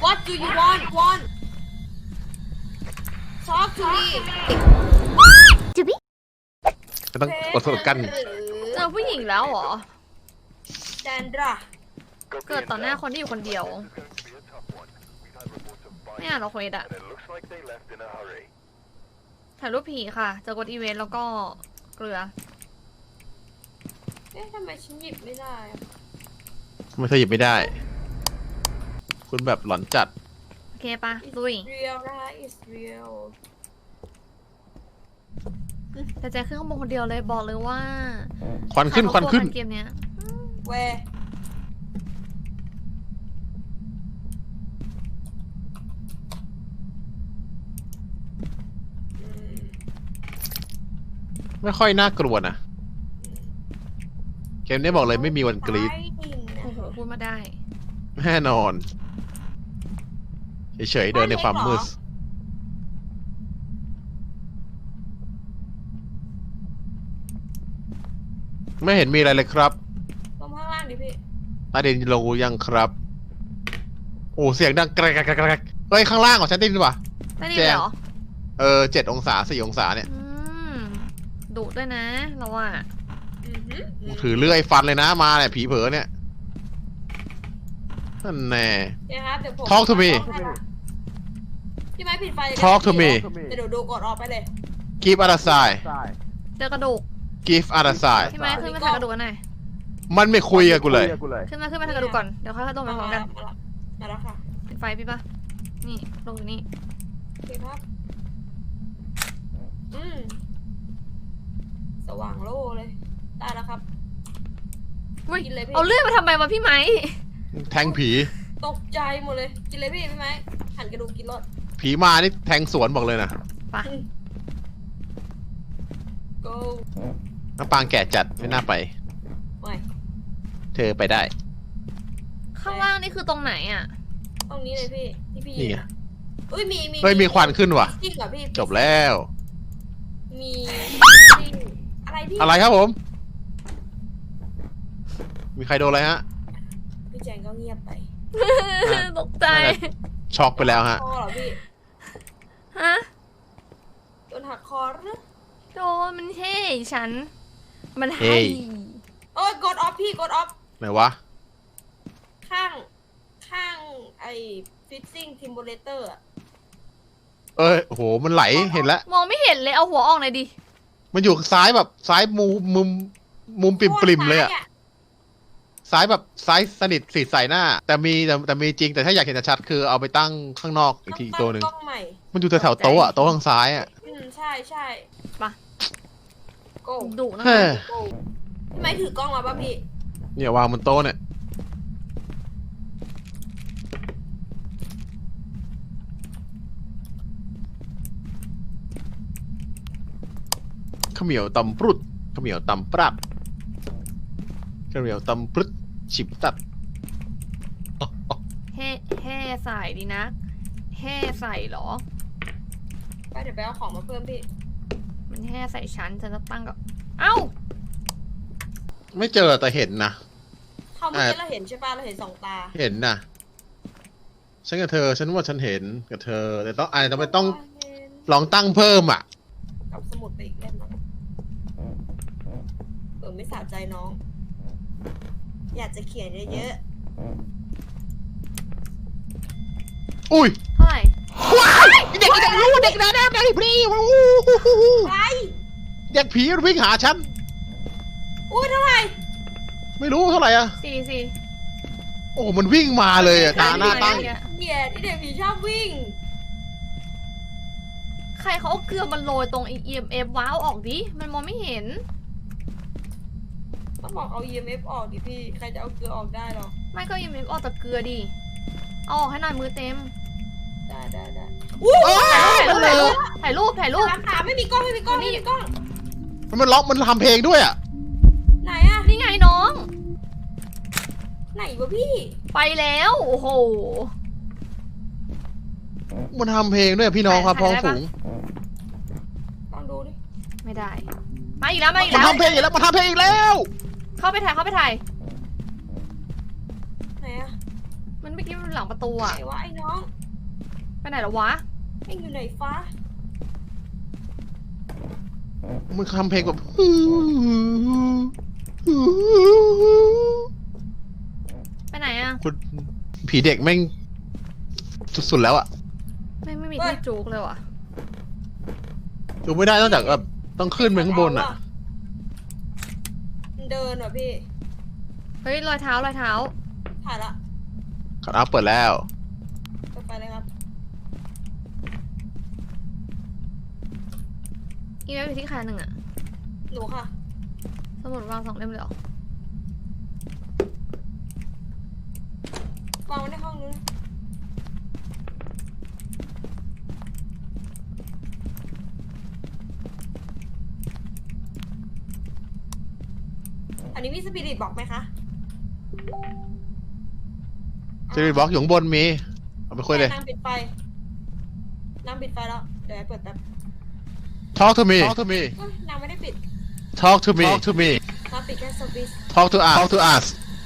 What do you want Talk to me ก็ต้องอดทนกันเจอผู้หญิงแล้วเหรอแซนดราเกิดต่อหน้าคนที่อยู่คนเดียวไม่อ่านหรอกเควสอะถ่ายรูปผีค่ะเจอกดอีเวนต์แล้วก็เกลือเอ๊ะทำไมฉันหยิบไม่ได้อะไม่เคยหยิบไม่ได้ คุณแบบหลอนจัดโอเคปะลุย real นะคะ is real แต่แจขึ้นข้างบนคนเดียวเลยบอกเลยว่าควันขึ้นควันขึ้นเกมเนี้ย where ไม่ค่อยน่ากลัวนะเกมนี้บอกเลยไม่มีวันกรี๊ดโอ้โหพูดมาได้แน่นอนเฉยๆเดินในความมืดไม่เห็นมีอะไรเลยครับลงข้างล่างดิพี่ใต้ดินลงยังครับโอ้เสียงดังแกรกแกรกแกรกเฮ้ยข้างล่างของฉันได้ยินป่ะได้ดีเหรอ 7 องศา 4 องศาเนี่ยดุด้วยนะเราอะถือเลื่อยฟันเลยนะมาเนี่ยผีเผลอเนี่ยนั่นแน่เดี๋ยวครับเดี๋ยวผม Talk to me พี่ไม้ปิดไฟ Talk to me เดี๋ยวดูกดออกไปเลย Give other side เจอกระดูก Give other side พี่ไม้ขึ้นมาถ่ายกระดูกกันหน่อยมันไม่คุยกับกูเลยขึ้นมาถ่ายกระดูกก่อนเดี๋ยวค่อยๆตรงไปพร้อมกันมาแล้วค่ะปิดไฟพี่ปะนี่ลงอยู่นี่โอเคครับสว่างโล่เลยได้แล้วครับอุ๊ยกินเลยพี่เอาเลื่อยมาทำไมวะพี่ไม้แทงผีตกใจหมดเลยกินเลยพี่ไม้หั่นกระดูกกินรสผีมานี่แทงสวนบอกเลยนะไป go น้ำปางแก่จัดไม่น่าไปไม่เธอไปได้ข้างล่างนี่คือตรงไหนอะตรงนี้เลยพี่ที่พี่นี่ยืไงนอุ้ยมีเฮ้ยมีควันขึ้นว่ะจริงเหรอพี่จบแล้วมีอะไรพี่อะไรครับผม มีใครโดนอะไรฮะพี่แจงก็เงียบไปตกใจช็อกไปแล้วฮะคอเหรอพี่ฮะโดนหักคอหรือโดนมันเท่ฉัน มันเฮ้ให้ยโอ้ยกดออฟพี่กดออฟไหนวะข้างไอ้ฟิตซิ่งทิมโบเลเตอร์โหมันไหลเห็นแล้วมองไม่เห็นเลยเอาหัวออกหน่อยดิมันอยู่ซ้ายแบบซ้ายมุมปริมๆเลยอะซ้ายแบบซ้ายสนิทสีใส่หน้า แต่มีจริงแต่ถ้าอยากเห็นชัดๆคือเอาไปตั้งข้างนอกอีกทีอีกตัวหนึ่งกล้องใหม่มันอยู่แถวๆโต๊ะอะโต๊ะทางซ้ายอะใช่ใช่ปะโก้ดุนะเฮ้ยโก้ทำไมถือกล้องมาป่ะพี่เนี่ยวางบนโต๊ะเนี่ยข้าวเหนียวตำปรุดข้าวเหนียวตำปรับข้าวเหนียวตำปรุดฉิบตัดแห่ใส่ดีนะแห่ใส่เหรอไปเดี๋ยวไปเอาของมาเพิ่มพี่มันแห่ใส่ฉันจะตั้งกับ เอ้าไม่เจอแต่เห็นนะเขาเมื่อกี้เราเห็นใช่ป่ะเราเห็นสองตาเห็นนะฉันกับเธอฉันว่าฉันเห็นกับเธอแต่ต้องอาจจะไม่ต้องลองตั้งเพิ่มอ่ะเอาสมุดไปอีกเล่มหนึงไม่สะใจน้อง อยากจะเขียนเยอะอุ้ยเท่าไหร่ว้ายเด็กรู้เด็กนะเด็กผีๆไรเด็กผีวิ่งหาฉันอุ้ยเท่าไหร่ไม่รู้เท่าไหร่อ่ะสี่โอ้มันวิ่งมาเลยอ่ะตาหน้าตั้งเหี้ยที่เด็กผีชอบวิ่งใครเขาเอาเกลือมันโรยตรง EMF ว้าวออกดิ มันมองไม่เห็นต้องบอกเอา EMF ออกดิพี่ ใครจะเอาเกลือออกได้หรอไม่ก็ EMF ออกจากเกลือดิ เอาออกให้หน่อยมือเต็มได้ถ่ายรูปถามไม่มีกล้องไม่มีกล้องไม่มีกล้องมันล็อกมันทำเพลงด้วยอ่ะไหนอะนี่ไงน้องไหนวะพี่ไปแล้ว โอ้โหมันทำเพลงด้วยพี่น้องครับพ้องฝูงลองดูดิไม่ได้ มาอีกแล้วมันทำเพลงอีกแล้วมันทำเพลงอีกแล้วเข้าไปถ่ายไหนอะมันมันไม่อกี้มันหลังประตูไหนอะวะไอ้น้องไปไหนแล้ววะไอ้อยู่ไหนฟ้ามึงทำเพลงแบบไปไหนอะคุณผีเด็กแม่งสุดๆแล้วอะไม่มีที่จุกเลยว่ะดูไม่ได้นอกจากแบบต้องขึ้นไปข้างบนอะมันเดินว่ะพี่เฮ้ยรอยเท้ารอยเท้าถ่ายละคัทเอาท์เปิดแล้วไปเลยครับอีเมลอยู่ที่ใครหนึ่งอะหนูค่ะสมุดวาง2 เล่มเลยเหรอวางไว้ในห้องนู้นอันนี้มีสปิริตบอกไหมคะจะมีบล็อกอยู่ข้างบนมีเอาไปคุยเลยนางปิดไฟนางปิดไฟแล้ว เดี๋ยวไอ้เปิดแป๊บ Talk to me เอ้ยนางไม่ได้ปิด Talk to me นางปิดแค่สวิตช์ Talk to us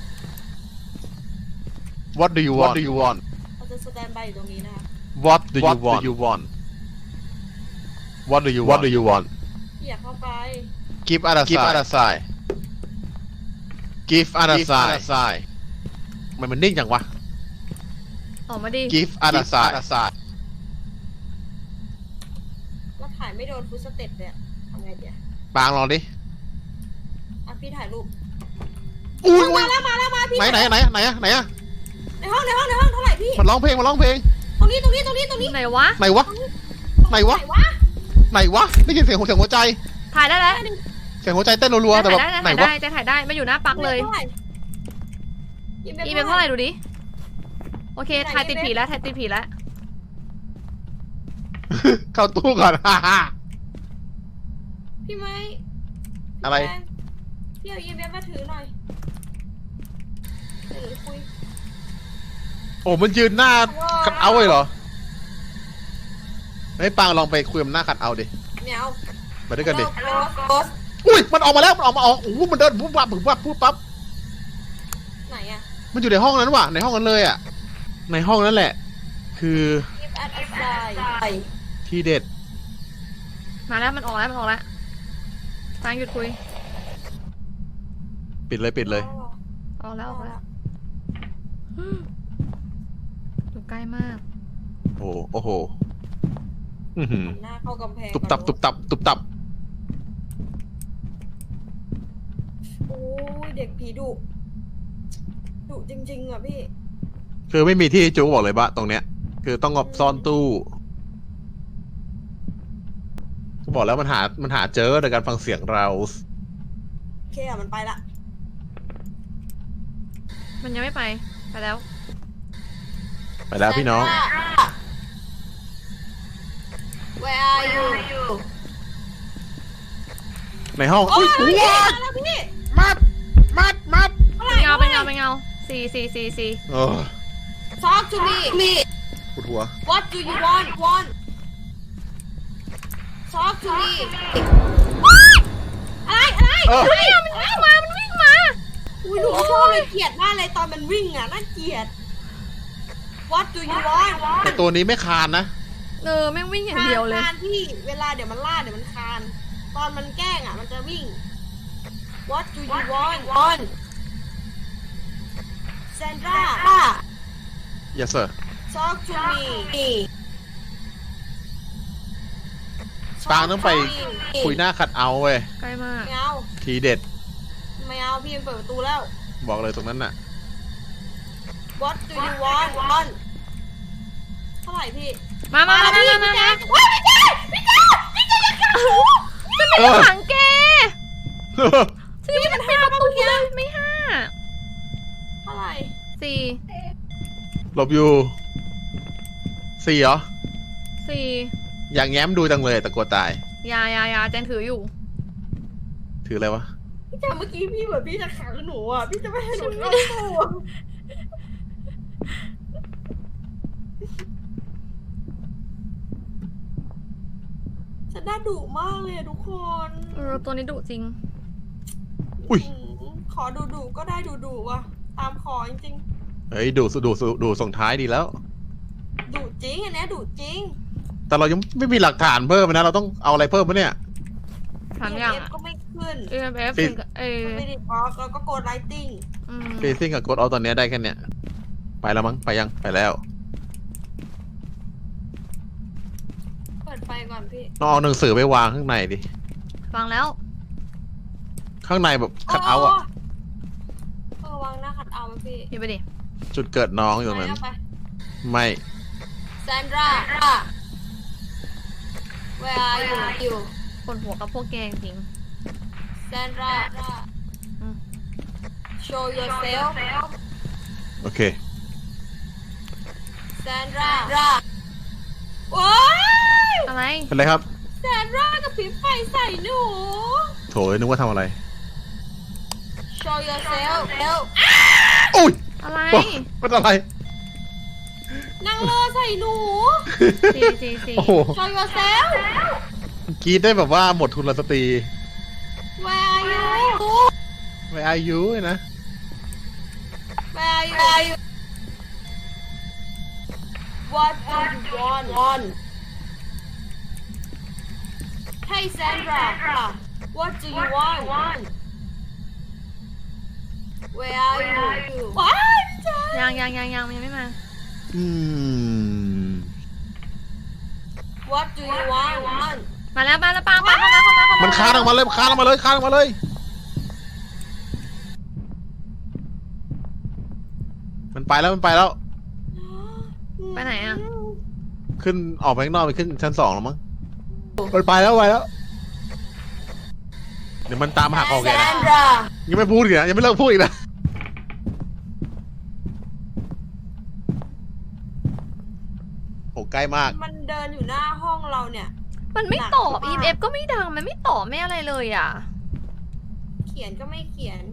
What do you want เราจะสแตนบายอยู่ตรงนี้นะคะ What do you want What do you want พี่อยากเข้าไป Give us a sign Give us a sign มันนิ่งจังวะออกมาดิ Give us a sign แล้วถ่ายไม่โดนฟุตสเต็ปเนี่ยทำไงเดี๋ยวปางลองดิอ่ะพี่ถ่ายรูปอุ้ยมาแล้วพี่ไหนอะในห้องเท่าไหร่พี่มันร้องเพลงตรงนี้ไหนวะไหนวะ ไหนวะ ได้ยินเสียงหัวใจถ่ายได้แล้วเสียงหัวใจเต้นรัวๆแต่แบบไหนถ่ายวะได้จะถ่ายได้มาอยู่หน้าปลั๊กเลย อีเมลเท่าไหร่ดูดิ โอเค ถ่ายติดผีแล้วเข้าตู้ก่อนพี่ไม้อะไรพี่เอาอีเมลมาถือหน่อยเดี๋ยวหนูคุยโอ้มันยืนหน้าคัดเอาท์เลยเหรอให้ปางลองไปคุยกับหน้าคัดเอาท์ดิแมวมาด้วยกันดิโกสอุ้ยมันออกมาแล้วโอ้โหมันเดินปุ๊บปั๊บปุ๊บปั๊บไหนอะมันอยู่ในห้องนั้นว่ะในห้องนั้นเลยอ่ะในห้องนั้นแหละ คือ Give us a sign ที่เด็ดมาแล้วมันออกแล้วฟางหยุดคุยปิดเลยออกแล้วอยู่ใกล้มากโอ้โหอื้อหือหน้าเข้ากำแพงตุบตับโอ้ยเด็กผีดุจริงๆอ่ะพี่คือไม่มีที่จูบอกเลยปะตรงเนี้ย คือต้องงบซ่อนตู้ก็บอกแล้วมันหาเจอโดยการฟังเสียงเราโอเคอ่ะมันไปละมันยังไม่ไปแล้วไปแล้วพี่น้อง Where are you ในห้องโอ้อุ้ยยมาแล้วพี่มัดเป็นเงาสี่เออ Talk to me ปวดหัว What do you want Talk to me อะไรเออมันวิ่งมาอุ้ยหนูชอบเลยเกลียดมากเลยตอนมันวิ่งอ่ะน่าเกลียด What do you want แต่ตัวนี้ไม่คานนะแม่งวิ่งอย่างเดียวเลยคานที่เวลาเดี๋ยวมันล่าเดี๋ยวมันคาน ตอนมันแกล้งอ่ะมันจะวิ่ง What do you want Sandra yes sir Talk to me ปางต้องไปคุยหน้าคัดเอาท์เว้ยใกล้มากไม่เอาทีเด็ดไม่เอาพี่มันเปิดประตูแล้วบอกเลยตรงนั้นน่ะ What do you want เท่าไหร่พี่มาว้ายพี่แจ๊คพี่แจ๊คอย่าขังหนูไม่ได้ขังแกนี่มันเป็นประตูเลยไม่เท่าไหร่ 5 หลบอยู่4เหรอ 4 อย่างแง้มดูจังเลยแต่กลัวตายยาแจนถืออยู่ถืออะไรวะพี่แจ๊คเมื่อกี้พี่เหมือนพี่จะขังหนูอ่ะพี่จะไม่ให้หนูเข้าตู้อะฉันน่าดุมากเลยอะทุกคนตัวนี้ดุจริงอุ้ยขอดุก็ได้ดุว่ะตามขอจริงเฮ้ยดูส่งท้ายดีแล้วดุจริงอันเนี้ยดุจริงแต่เรายังไม่มีหลักฐานเพิ่มนะเราต้องเอาอะไรเพิ่มปะเนี่ยถามอย่าง EMF ก็ไม่ขึ้น EMF ปิดมันไม่ได้บล็อกแล้วก็โกดไลติ้งเฟซิ่งกับกดเอาตอนเนี้ยได้แค่เนี้ยไปแล้วมั้งไปยังไปแล้วเปิดไฟก่อนพี่ต้องเอาหนังสือไปวางข้างในดิฟังแล้วข้างในแบบคัดเอาท์อะวางหน้าคัดเอาท์ไหมพี่พี่ไปดิจุดเกิดน้องอยู่ตรงนั้นไปไม่แซนดรา where are you ปวดหัวกับพวกแกจริงแซนดราอืม show yourself โอเคแซนดราโอ้ยอะไรเป็นไรครับแซนดรากับพริบไฟใส่หนูโถนึกว่าทำอะไร show yourself อุ้ยอะไรเป็นอะไรนางเลอใส่หนูสี่โอ้โห show yourself กรีดได้แบบว่าหมดทุนสตรี where are you ไม่อายุนะ where are you what do you want hey Sandra what do you want where are you ว้ายพี่เจยังไม่มาอืม what do you want มาแล้วปังเข้ามามันคานออกมาเลยคานออกมาเลย มันไปแล้วไปไหนอะขึ้นออกไปข้างนอกไปขึ้นชั้น2แล้วมั้งมันไปแล้วเดี๋ยวมันตามหักออกแกนะ Sandra ยังไม่พูดอีกนะยังไม่เลิกพูดอีกนะโหใกล้มากมันเดินอยู่หน้าห้องเราเนี่ยมันไม่ตอบ EMF ก็ไม่ดัง มันไม่ตอบไม่อะไรเลยอ่ะเขียนก็ไม่เขียน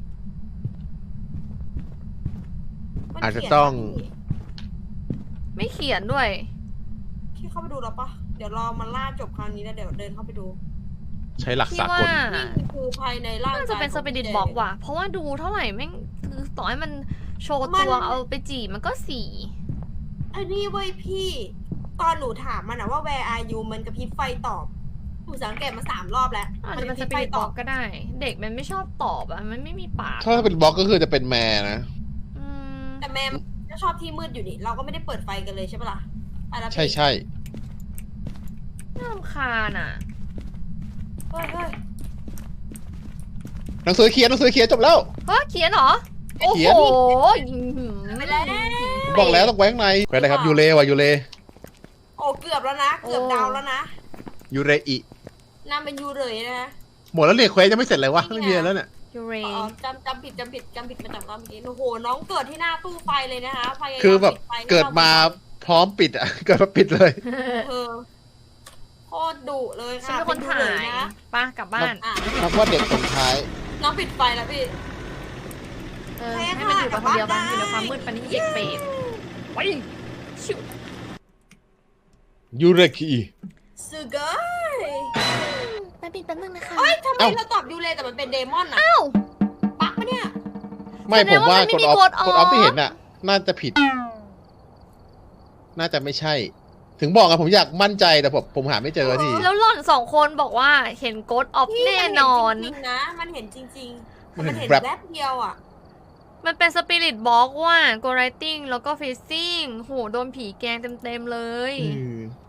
มันอาจจะเขียนต้องไม่เขียนด้วยพี่เข้าไปดูแล้วปะเดี๋ยวรอมันล่าจบครั้งนี้แล้วเดี๋ยวเดินเข้าไปดูใช้หลักพี่สากว่าลนี่คือภายในร่างกายน่าจะเป็นสปิริตบอกว่ะ เพราะว่าดูเท่าไหร่แม่งคือต่อให้มันโชว์ตัวเอาไปจีบมันก็สี่อันนี้เว้ยพี่ ตอนหนูถามมันอะว่า where are you มันกระพริบไฟตอบหนูสังเกตมา3 รอบแล้วอาจมันจะกเป็ระนพสริบ ไฟตปิริตบออบ กก็ได้ เด็กมันไม่ชอบตอบอ่ะ มันไม่มีปากถ้าเป็นบล็อกก็คือจะเป็นแม่นะอืมแต่แม่มันก็ชอบที่มืดอยู่นี่เราก็ไม่ได้เปิดไฟกันเลยใช่ปะล่ะไปแล้วพี่ใช่น่ารำคาญอ่ะเฮ้ยหนังสือเขียนจบแล้วเฮ้ยเขียนเหรอ โอ้เขีโหยนไปแล้วบอกแล้วต้องไว้ข้างในไว้อะไรครับยูเรว่ะยูเรโอ้เกือบแล้วนะเกือบดาวแล้วนะยูเรอินามเป็นยูเลยนะฮะหมดแล้วเนี่ยเควสยังไม่เสร็จเลยวะไม่มีอะไรแล้วเนี่ยยูเรอ๋อจำผิดมาจากรอบเมื่อกี้โอ้โหน้องเกิดที่หน้าตู้ไฟเลยนะคะพยายามคือแบบปิดไฟเกิดมาพร้อมปิดอ่ะ เกิดมาปิดเลยเออโคตรดุเลยฉันค่ะเป็นคนถ่าดูเลยยนะไปะกลับบ้านอ่ะนับว่าเด็กคนท้ายน้องปิดไฟแล้วพี่เออ ให้มันอยู่กับคนเดียวมันอยู่ในความมืดปันนี้เด็กเปรตไปชิวยูเรกิสุเกอร์แป๊บนึงนะคะเอ้ยทำไมเอ้าเราตอบยูเลยแต่มันเป็นเดมอนอะอ้าวปักปะเนี่ยไม่แสดผงมว่าว่ามันกไม่ดมีออฟกดออฟกดออฟที่เห็นน่ะ น่าจะผิด น่าจะไม่ใช่ ถึงบอกอะผมอยากมั่นใจแต่ผมหาไม่เจอทีแล้วหล่อน2 คนบอกว่าเห็นโกดออฟพี่แน่นอนมัเห็จริงๆนะ มันเห็นจริงๆมันมันเห็เห็นนแบบแวบเดียวอะมันเป็นสปิริตบอกว่าโกไรติ้งแล้วก็เฟซซิ่งโหโดนผีแกงเต็มๆเลยอืม